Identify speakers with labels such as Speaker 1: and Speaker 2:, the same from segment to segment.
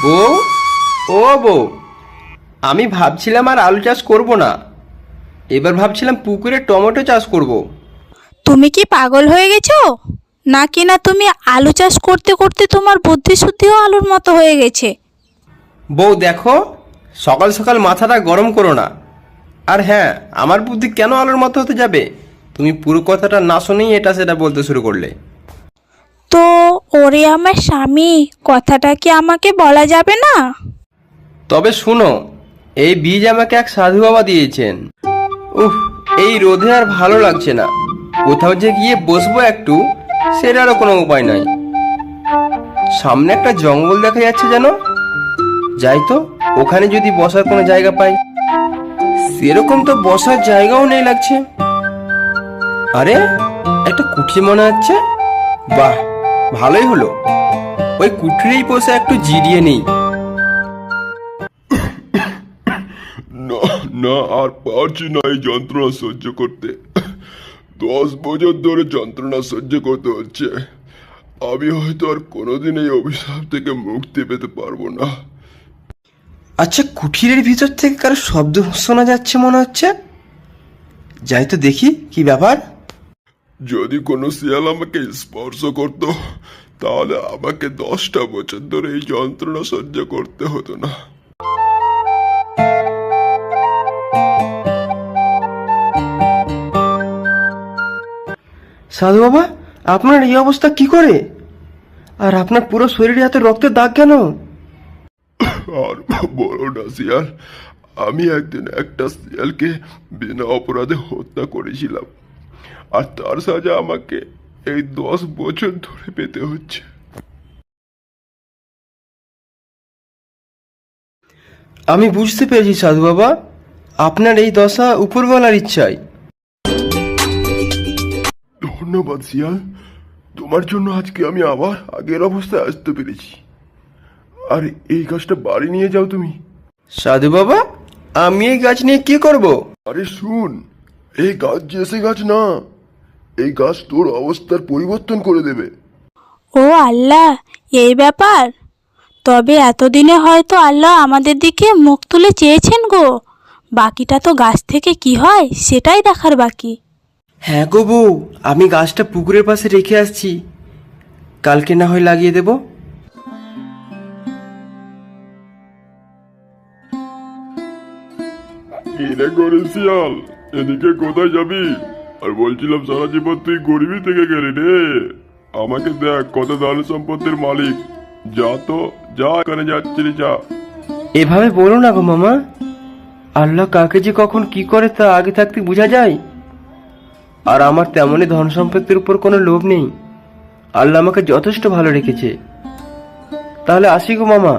Speaker 1: বউ, ও বউ, আমি ভাবছিলাম আর আলু চাষ করব না। এবার ভাবছিলাম পুকুরে টমেটো চাষ করব।
Speaker 2: তুমি কি পাগল হয়ে গেছো? নাকি না তুমি আলু চাষ করতে করতে তোমার বুদ্ধি শুদ্ধিও আলুর মতো হয়ে গেছে?
Speaker 1: বউ দেখো, সকাল সকাল মাথাটা গরম করো না। আর হ্যাঁ, আমার বুদ্ধি কেন আলুর মতো হতে যাবে? তুমি পুরো কথাটা না শুনেই এটা সেটা বলতে শুরু করলে।
Speaker 2: তো ওরে আমার স্বামী, কথাটা কি আমাকে বলা যাবে না?
Speaker 1: তবে শুনো, এই বীজ আমাকে এক সাধু বাবা দিয়েছেন। উফ, এই রোদে আর ভালো লাগছে না। কোথাও যে গিয়ে বসবো একটু, সেটারও কোনো উপায় নাই। সামনে একটা জঙ্গল দেখা যাচ্ছে যেন। যাই তো, ওখানে যদি বসার কোনো জায়গা পাই। সেরকম তো বসার জায়গাও নেই লাগছে। আরে, একটা কুঠি মনে হচ্ছে। বাহ, ভালোই হলো, ওই কুঠিরেই বসে একটু জিরিয়ে নেই।
Speaker 3: না, না, আর পারছি না এই যন্ত্রণা সহ্য করতে। 10 বছর ধরে যন্ত্রণা সহ্য করতে হচ্ছে। আমি হয়তো আর কোনোদিন এই অভিশাপ থেকে মুক্তি পেতে পারবো না।
Speaker 1: আচ্ছা, কুঠিরের ভিতর থেকে কারো শব্দ শোনা যাচ্ছে মনে হচ্ছে। যাই তো দেখি কি ব্যাপার।
Speaker 3: যদি কোনো শিয়াল আমাকে স্পর্শ করতো, তাহলে আমাকে 10টা বছর ধরে এই যন্ত্রণা সহ্য করতে হতো না।
Speaker 1: সাধু বাবা, আপনার এই অবস্থা কি করে? আর আপনার পুরো শরীরে এত রক্তের দাগ কেন?
Speaker 3: আর বলো না শিয়াল, আমি একদিন একটা শিয়ালকে বিনা অপরাধে হত্যা করেছিলাম। আর তার সাজা আমাকে এই 10 বছর ধরে পেতে হচ্ছে।
Speaker 1: আমি বুঝতে পেরেছি সাধু বাবা, আপনার এই দশা উপরওয়ালার ইচ্ছায়।
Speaker 3: ধন্যবাদ শিয়াল, তোমার জন্য আজকে আমি আবার আগের অবস্থায় আসতে পেরেছি। আর এই গাছটা বাড়ি নিয়ে যাও তুমি।
Speaker 1: সাধু বাবা, আমি এই গাছ নিয়ে কি করব?
Speaker 3: আরে শুন, এই গাছ যে সে গাছ না, এই গাছ তোর অবস্থার পরিবর্তন করে দেবে।
Speaker 2: ও আল্লাহ, এই ব্যাপার। তবে এতদিনে হয়তো আল্লাহ আমাদের দিকে মুখ তুলে চেয়েছেন গো। বাকিটা তো গাছ থেকে কি হয় সেটাই দেখার বাকি।
Speaker 1: হ্যাঁ গো বউ, আমি গাছটা পুকুরের পাশে রেখে আসছি। কালকে না হয় লাগিয়ে দেব।
Speaker 3: কিরে করে শিয়াল, এদিকে কোথায় যাবি? আর বলছিলাম সারা জীবন তুই গরিবই থেকে গেলি রে। আমাকে দেখ কত ধন সম্পত্তির মালিক। যা তো, যা, এখানে যাচ্ছিলি যা।
Speaker 1: এভাবে বলো না গো মামা। আল্লাহ কাকে যে কখন কি করে তা আগে থাকতে বোঝা যায়। আর আমার তেমনই ধন সম্পত্তির উপর কোনো লোভ নেই। আল্লাহ আমাকে যথেষ্ট ভালো রেখেছে। তাহলে আসি গো মামা।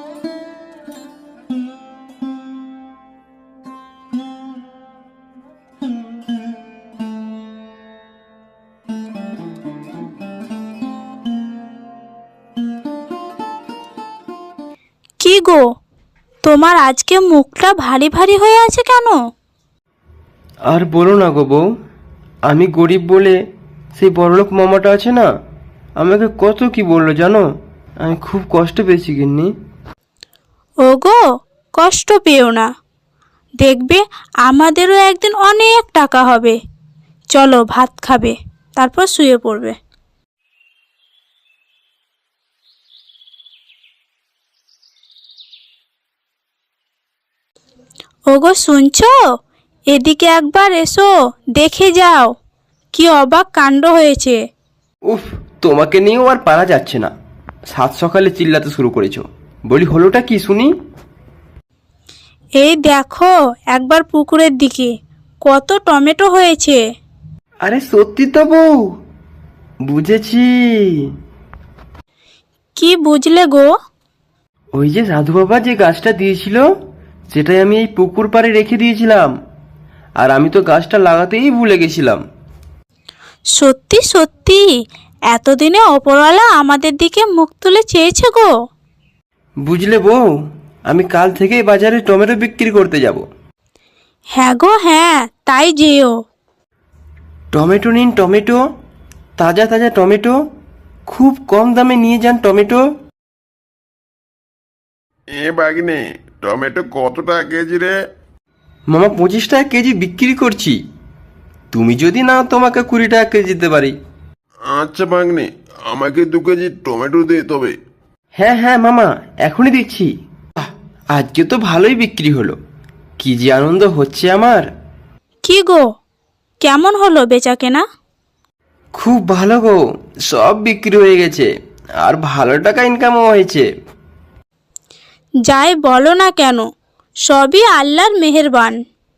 Speaker 2: কি গো, তোমার আজকে মুখটা ভারী ভারী হয়ে আছে কেন?
Speaker 1: আর বলো না গো বউ, আমি গরিব বলে সেই বড়লোক মামাটা আছে না, আমাকে কত কি বললো জানো। আমি খুব কষ্ট পেয়েছি গিন্নি।
Speaker 2: ওগো, কষ্ট পেও না। দেখবে আমাদেরও একদিন অনেক টাকা হবে। চলো ভাত খাবে, তারপর শুয়ে পড়বে। ওগো শুনছো? এদিকে একবার এসো, দেখে যাও কি অবাক কাণ্ড হয়েছে।
Speaker 1: উফ, তোমাকে নিয়েও আর পারা যাচ্ছে না। সাত সকালে চিল্লাতে শুরু করেছো। বলি হলোটা কি শুনি।
Speaker 2: এই দেখো একবার পুকুরের দিকে, কত টমেটো হয়েছে।
Speaker 1: আরে সত্যি তো বউ, বুঝেছি।
Speaker 2: কি বুঝলে গো?
Speaker 1: ওই যে সাধু বাবা যে গাছটা দিয়েছিল, সেটাই আমি এই পুকুর পাড়ে রেখে দিয়েছিলাম। আর আমি তো গাছটা লাগাতেই ভুলে গেছিলাম।
Speaker 2: সত্যি সত্যি এতদিনে ওপরওয়ালা আমাদের দিকে মুখ তুলে চেয়েছে গো।
Speaker 1: বুঝলে বউ, আমি কাল থেকেই বাজারে টমেটো বিক্রি করতে যাব।
Speaker 2: হ্যাঁ গো হ্যাঁ, তাই যেও।
Speaker 1: টমেটো নিন টমেটো, তাজা তাজা টমেটো। খুব কম দামে নিয়ে যান টমেটো।
Speaker 3: এ বাগনে, টমেটো কত টাকা কেজি রে?
Speaker 1: মামা 25 টাকা কেজি বিক্রি করছি, তুমি যদি নাও তোমাকে 20 টাকা কেজি দিতে পারি।
Speaker 3: আচ্ছা বাগনে, আমাকে 2 কেজি টমেটো দে তবে।
Speaker 1: হ্যাঁ হ্যাঁ মামা, এখনই দিচ্ছি। আহ, আজকে তো ভালোই বিক্রি হলো, কি যে আনন্দ হচ্ছে আমার।
Speaker 2: কি গো, কেমন হলো বেচা কেনা?
Speaker 1: খুব ভালো গো, সব বিক্রি হয়ে গেছে, আর ভালো টাকা ইনকামও হয়েছে।
Speaker 2: যাই বলো না কেন, সবই আল্লাহর মেহেরবান।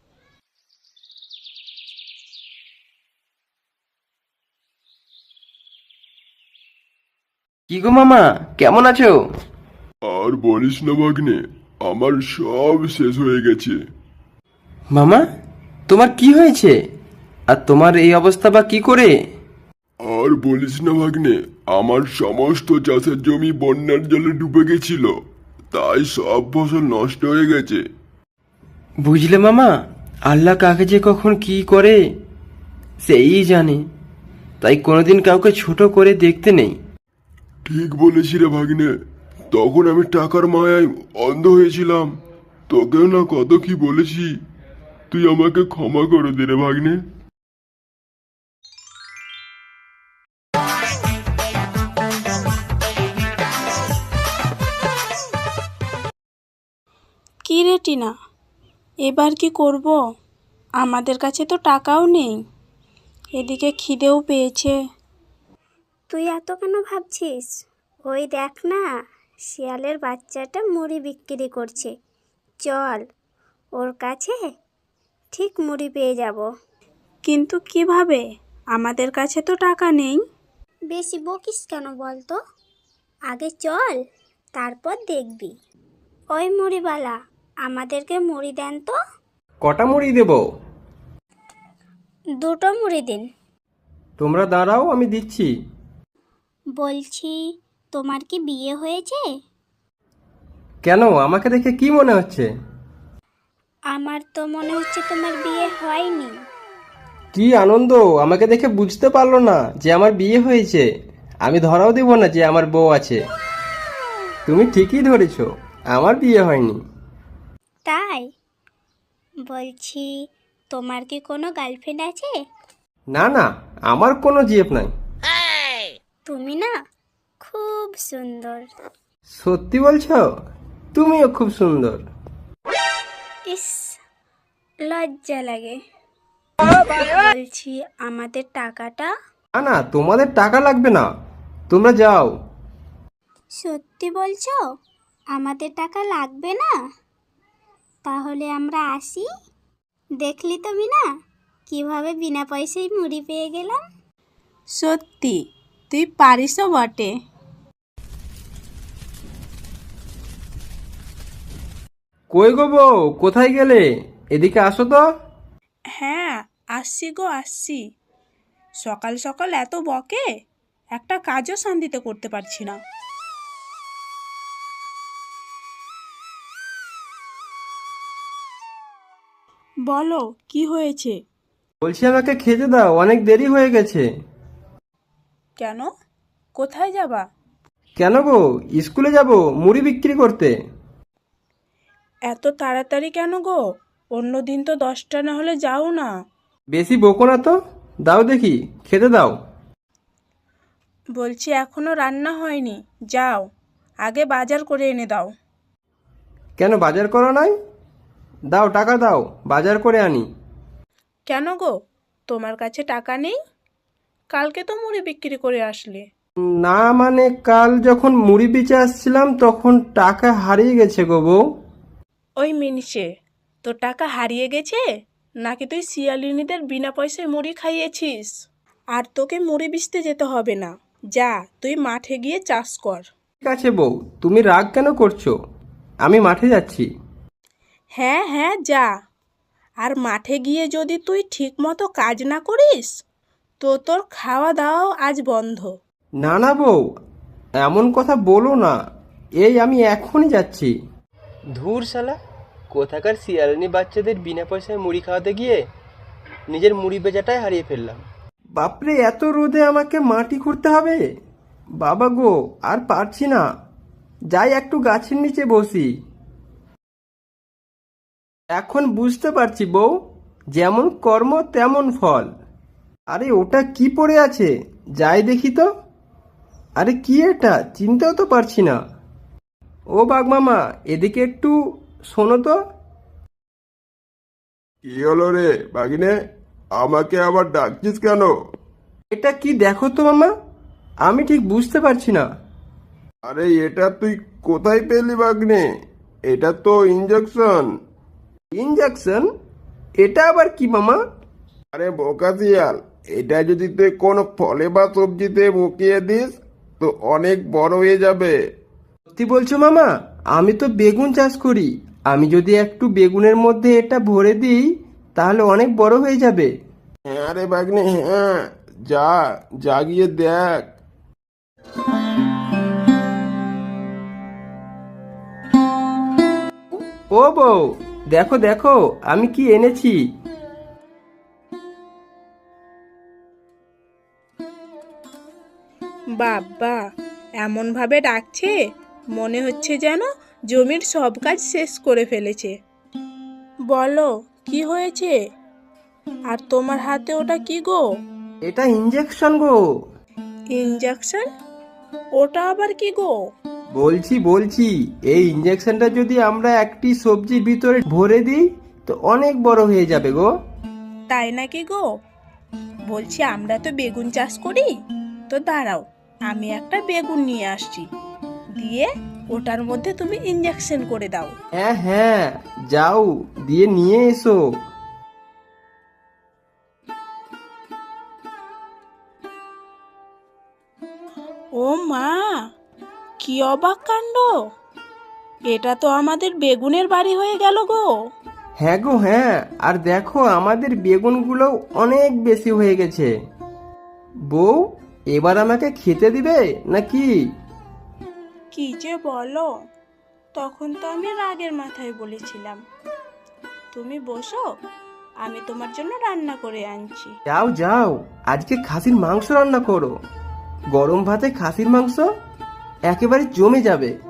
Speaker 1: কি গো মামা, কেমন আছো?
Speaker 3: আর বলিস না ভাগ্নে, আমার সব শেষ হয়ে গেছে।
Speaker 1: মামা, তোমার কি হয়েছে? আর তোমার এই অবস্থা বা কি করে?
Speaker 3: আর বলিস না ভাগ্নে, আমার সমস্ত চাষের জমি বন্যার জলে ডুবে গেছিল, তাই সব ফসল নষ্ট হয়ে গেছে।
Speaker 1: বুঝলে মামা, আল্লাহ কাকে যে কখন কি করে সেই জানে, তাই কোনোদিন কাউকে ছোট করে দেখতে নেই।
Speaker 3: ঠিক বলেছি রে ভাগ্নে, তখন আমি টাকার মায়ায় অন্ধ হয়েছিলাম। তোকেও না কত কি বলেছি, তুই আমাকে ক্ষমা করে দে রে ভাগ্নে।
Speaker 2: কি রে টিনা, এবার কি করব? আমাদের কাছে তো টাকাও নেই, এদিকে খিদেও পেয়েছে।
Speaker 4: তুই এত কেন ভাবছিস? ওই দেখ না, শিয়ালের বাচ্চাটা মুড়ি বিক্রি করছে। চল, ওর কাছে ঠিক মুড়ি পেয়ে যাব।
Speaker 2: কিন্তু কিভাবে? আমাদের কাছে তো টাকা নেই।
Speaker 4: বেশি বকিস কেন বল তো? আগে চল, তারপর দেখবি। ওই মুড়িওয়ালা, আমাদেরকে মুড়ি দেন তো।
Speaker 1: কটা মুড়ি দেব?
Speaker 4: 2টো মুড়ি দিন।
Speaker 1: তোমরা দাঁড়াও, আমি দিচ্ছি।
Speaker 4: বলছি, তোমার কি বিয়ে হয়েছে?
Speaker 1: কেন, আমাকে দেখে কি মনে হচ্ছে?
Speaker 4: আমার তো মনে হচ্ছে তোমার বিয়ে হয়নি।
Speaker 1: কি আনন্দ, আমাকে দেখে বুঝতে পারলো না যে আমার বিয়ে হয়েছে। আমি ধরাও দেব না যে আমার বউ আছে। তুমি ঠিকই ধরেছো, আমার বিয়ে হয়নি।
Speaker 4: তাই? বলছি, তোমার কি কোনো গার্লফ্রেন্ড আছে?
Speaker 1: না না, আমার কোনো জিএফ নাই।
Speaker 4: তুমি না খুব সুন্দর।
Speaker 1: সত্যি বলছো? তুমিও খুব সুন্দর।
Speaker 4: ইস, লজ্জা লাগে। বলছি, আমাদের টাকাটা?
Speaker 1: না না, তোমাদের টাকা লাগবে না, তোমরা যাও।
Speaker 4: সত্যি বলছো? আমাদের টাকা লাগবে না? তাহলে আমরা আসি। দেখলি তুমি না কিভাবে বিনা পয়সায় মুড়ি পেয়ে গেলাম।
Speaker 2: সত্যি, তুই পারিসও বটে।
Speaker 1: কই গো বউ, কোথায় গেলে? এদিকে আসো তো।
Speaker 2: হ্যাঁ, আসছি গো আসছি। সকাল সকাল এত বকে, একটা কাজও শান্তিতে করতে পারছি না। বলো, কি হয়েছে?
Speaker 1: বলছি আমাকে খেতে দাও, অনেক দেরি হয়ে গেছে।
Speaker 2: কেন, কোথায় যাবা?
Speaker 1: কেন গো, স্কুলে যাব মুড়ি বিক্রি করতে।
Speaker 2: এত তাড়াতাড়ি কেন গো? অন্য দিন তো 10টা না হলে যাও না।
Speaker 1: বেশি বকো না তো, দাও দেখি, খেতে দাও।
Speaker 2: বলছি এখনো রান্না হয়নি, যাও আগে বাজার করে এনে দাও।
Speaker 1: কেন, বাজার করা নাই? দাও, টাকা দাও, বাজার করে আনি।
Speaker 2: কেন গো, তোমার কাছে টাকা নেই? কালকে তো মুড়ি বিক্রি করে আসলে।
Speaker 1: না মানে, কাল যখন মুড়ি বেচে আসছিলাম তখন টাকা হারিয়ে গেছে গো বউ।
Speaker 2: ওই মিনিষে, তোর টাকা হারিয়ে গেছে নাকি তুই শিয়ালিনীদের বিনা পয়সায় মুড়ি খাইয়েছিস? আর তোকে মুড়ি বেচতে যেতে হবে না, যা তুই মাঠে গিয়ে চাষ কর।
Speaker 1: ঠিক আছে বউ, তুমি রাগ কেন করছো? আমি মাঠে যাচ্ছি।
Speaker 2: হ্যাঁ হ্যাঁ, যা। আর মাঠে গিয়ে যদি তুই ঠিক মতো কাজ না করিস তো তোর খাওয়া দাওয়াও আজ বন্ধ।
Speaker 1: না না বউ, এমন কথা বলো না, এই আমি এখনই যাচ্ছি। ধুর শালা, কোথাকার শিয়ালিনী বাচ্চাদের বিনা পয়সায় মুড়ি খাওয়াতে গিয়ে নিজের মুড়ি বেচাটাই হারিয়ে ফেললাম। বাপরে, এত রোদে আমাকে মাটি খুঁড়তে হবে? বাবা গো, আর পারছি না। যাই একটু গাছের নিচে বসি। এখন বুঝতে পারছি বউ, যেমন কর্ম তেমন ফল। আরে ওটা কি পড়ে আছে, যাই দেখি তো। আরে কি এটা, চিনতেও তো পারছি না। ও বাঘমামা, এদিকে একটু শোনো তো।
Speaker 3: কি হলো রে বাগিনে, আমাকে আবার ডাকছিস কেন?
Speaker 1: এটা কি দেখো তো মামা, আমি ঠিক বুঝতে পারছি না।
Speaker 3: আরে এটা তুই কোথায় পেলি বাগনে? এটা তো ইঞ্জেকশন।
Speaker 1: ইঞ্জেকশন? এটা আবার কি মামা?
Speaker 3: আরে বোকা শিয়াল, এটা যদি তুই কোনো ফলে বা সবজিতে মুখিয়ে দিস তো অনেক বড় হয়ে যাবে।
Speaker 1: সত্যি বলছো মামা? আমি তো বেগুন চাষ করি, আমি যদি একটু বেগুনের মধ্যে এটা ভরে দিই তাহলে অনেক বড় হয়ে যাবে।
Speaker 3: হ্যাঁ রে বাগনে, হ্যাঁ, যা যা গিয়ে দেখ।
Speaker 1: ও বউ, দেখো দেখো আমি কি এনেছি।
Speaker 2: বাবা, এমনভাবে ডাকছে মনে হচ্ছে যেন জমির সব কাজ শেষ করে ফেলেছে। বলো কি হয়েছে? আর তোমার হাতে ওটা কি গো?
Speaker 1: এটা ইঞ্জেকশন গো।
Speaker 2: ইঞ্জেকশন? ওটা আবার কি গো?
Speaker 1: বলছি বলছি, এই ইঞ্জেকশনটা যদি আমরা একটি সবজির ভিতরে ভরে দিই তো অনেক বড় হয়ে যাবে গো।
Speaker 2: তাই নাকি গো? বলছি আমরা তো বেগুন চাষ করি, তো দাঁড়াও আমি একটা বেগুন নিয়ে আসছি, দিয়ে ওটার মধ্যে তুমি ইঞ্জেকশন করে দাও।
Speaker 1: হ্যাঁ হ্যাঁ, যাও দিয়ে নিয়ে এসো।
Speaker 2: ও মা, কি অবাক কাণ্ড! এটা তো আমাদের বেগুনের বাড়ি হয়ে গেল গো।
Speaker 1: হ্যাঁ গো হ্যাঁ, আর দেখো আমাদের বেগুনগুলো অনেক বেশি হয়ে গেছে। বউ, এবার আমাকে খেতে দিবে নাকি?
Speaker 2: কি যে বলো, তখন তো আমি রাগের মাথায় বলেছিলাম। তুমি বসো, আমি তোমার জন্য রান্না করে আনছি।
Speaker 1: যাও যাও, আজকে খাসির মাংস রান্না করো। গরম ভাতে খাসির মাংস একেবারে জমে যাবে।